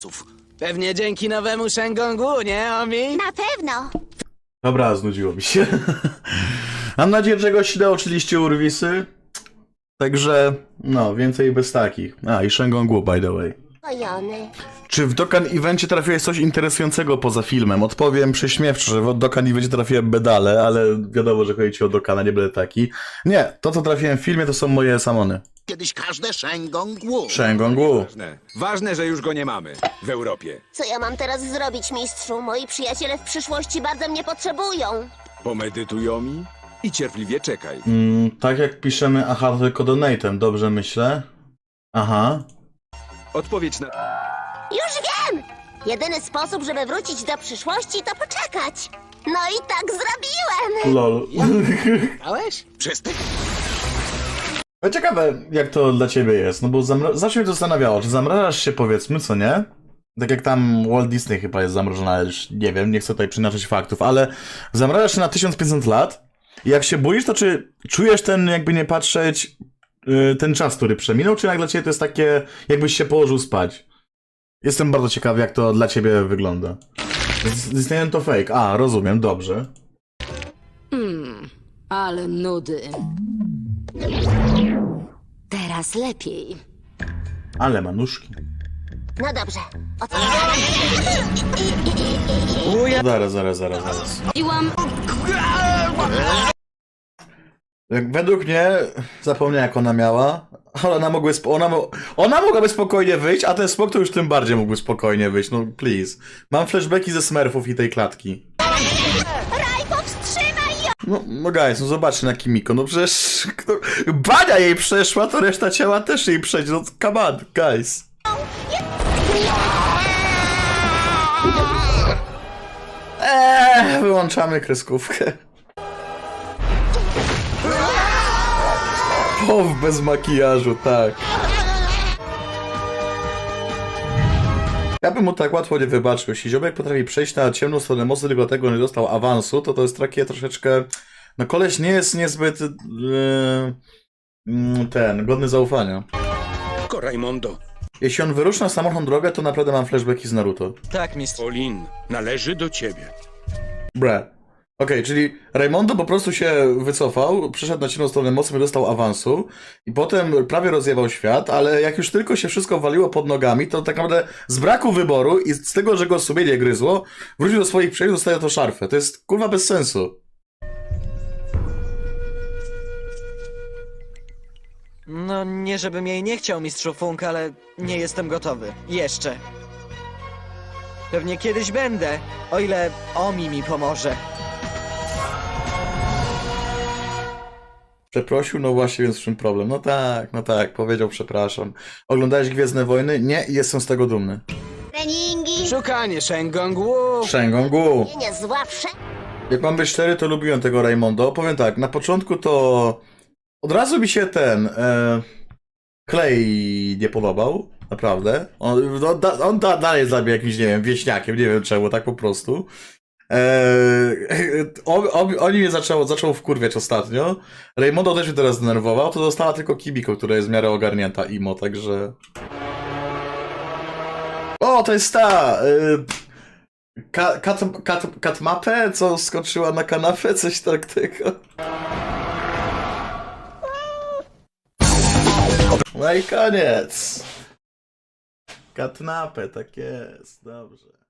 Pewnie dzięki nowemu Shengongu, nie, Omi? Na pewno. Dobra, znudziło mi się. Mam nadzieję, że go nauczyliście urwisy. Także, no, więcej bez takich. A, i Shengongu, by the way. Ojony. Czy w Dokkan Evencie trafiłeś coś interesującego poza filmem? Odpowiem prześmiewczo, że w Dokkan Evencie trafiłem bedale, ale wiadomo, że chodzi ci o Dokkana, nie będę taki. Nie, to co trafiłem w filmie to są moje samony. Kiedyś każde Shengongu. Shengongu. Ważne, że już go nie mamy w Europie. Co ja mam teraz zrobić, mistrzu? Moi przyjaciele w przyszłości bardzo mnie potrzebują. Pomedytuj mi i cierpliwie czekaj. Tak jak piszemy, aha, tylko donatem, dobrze myślę. Aha. Odpowiedź na... Już wiem! Jedyny sposób, żeby wrócić do przyszłości, to poczekać. No i tak zrobiłem. Lol. Dałeś? Przestań. No ciekawe, jak to dla ciebie jest, no bo zawsze mnie to zastanawiało, czy zamrażasz się, powiedzmy, co nie? Tak jak tam Walt Disney chyba jest zamrożona, ale już nie wiem, nie chcę tutaj przynaczać faktów, ale zamrażasz się na 1500 lat i jak się boisz, to czy czujesz ten, jakby nie patrzeć, ten czas, który przeminął, czy jak dla ciebie to jest takie, jakbyś się położył spać? Jestem bardzo ciekawy, jak to dla ciebie wygląda. Disneyland to fake. A, rozumiem, dobrze. Ale nudy. Teraz lepiej. Ale ma nóżki. No dobrze. O co? Zaraz. Iłam. Jak według mnie, zapomniałem jak ona miała, ale ona mogłaby spokojnie wyjść, a ten smok to już tym bardziej mógłby spokojnie wyjść, no please. Mam flashbacki ze Smurfów i tej klatki. Raj, powstrzymaj ją! No guys, no zobaczcie na Kimiko, no przecież bania jej przeszła, to reszta ciała też jej przejdzie, no come on, guys. Wyłączamy kreskówkę. Pow bez makijażu, tak. Ja bym mu tak łatwo nie wybaczył. Jeśli ziomek potrafi przejść na ciemną stronę mocy, tylko dlatego nie dostał awansu, to jest takie troszeczkę... No koleś nie jest niezbyt... godny zaufania. Rajmondo. Jeśli on wyruszy na samotną drogę, to naprawdę mam flashbacki z Naruto. Tak, mistrz. Olin, należy do ciebie. Bre. Okej, czyli Raymondo po prostu się wycofał, przyszedł na ciemną stronę mocy, dostał awansu i potem prawie rozjebał świat, ale jak już tylko się wszystko waliło pod nogami, to tak naprawdę z braku wyboru i z tego, że go sumienie gryzło, wrócił do swoich przyjaciół, dostaje to szarfę. To jest kurwa bez sensu. No, nie żebym jej nie chciał, mistrzu Funk, ale nie jestem gotowy. Jeszcze. Pewnie kiedyś będę, o ile Omi mi pomoże. Przeprosił, no właśnie, więc w czym problem? No tak, powiedział przepraszam. Oglądałeś Gwiezdne Wojny? Nie, i jestem z tego dumny. Treningi. Szukanie Shengongu. Shengongu. Nie zła Jak mam być szczery, to lubiłem tego Raymondo. Powiem tak, na początku to od razu mi się Clay nie podobał, naprawdę. On dalej jest dla mnie jakimś, nie wiem, wieśniakiem, nie wiem czemu, tak po prostu. Oni mnie zaczął wkurwiać ostatnio. Raymondo też mnie teraz zdenerwował, to została tylko Kimiko, która jest w miarę ogarnięta imo, także... O, to jest ta... Katmapę, co skoczyła na kanapę, coś takiego. No i koniec. Katnapę, tak jest, dobrze.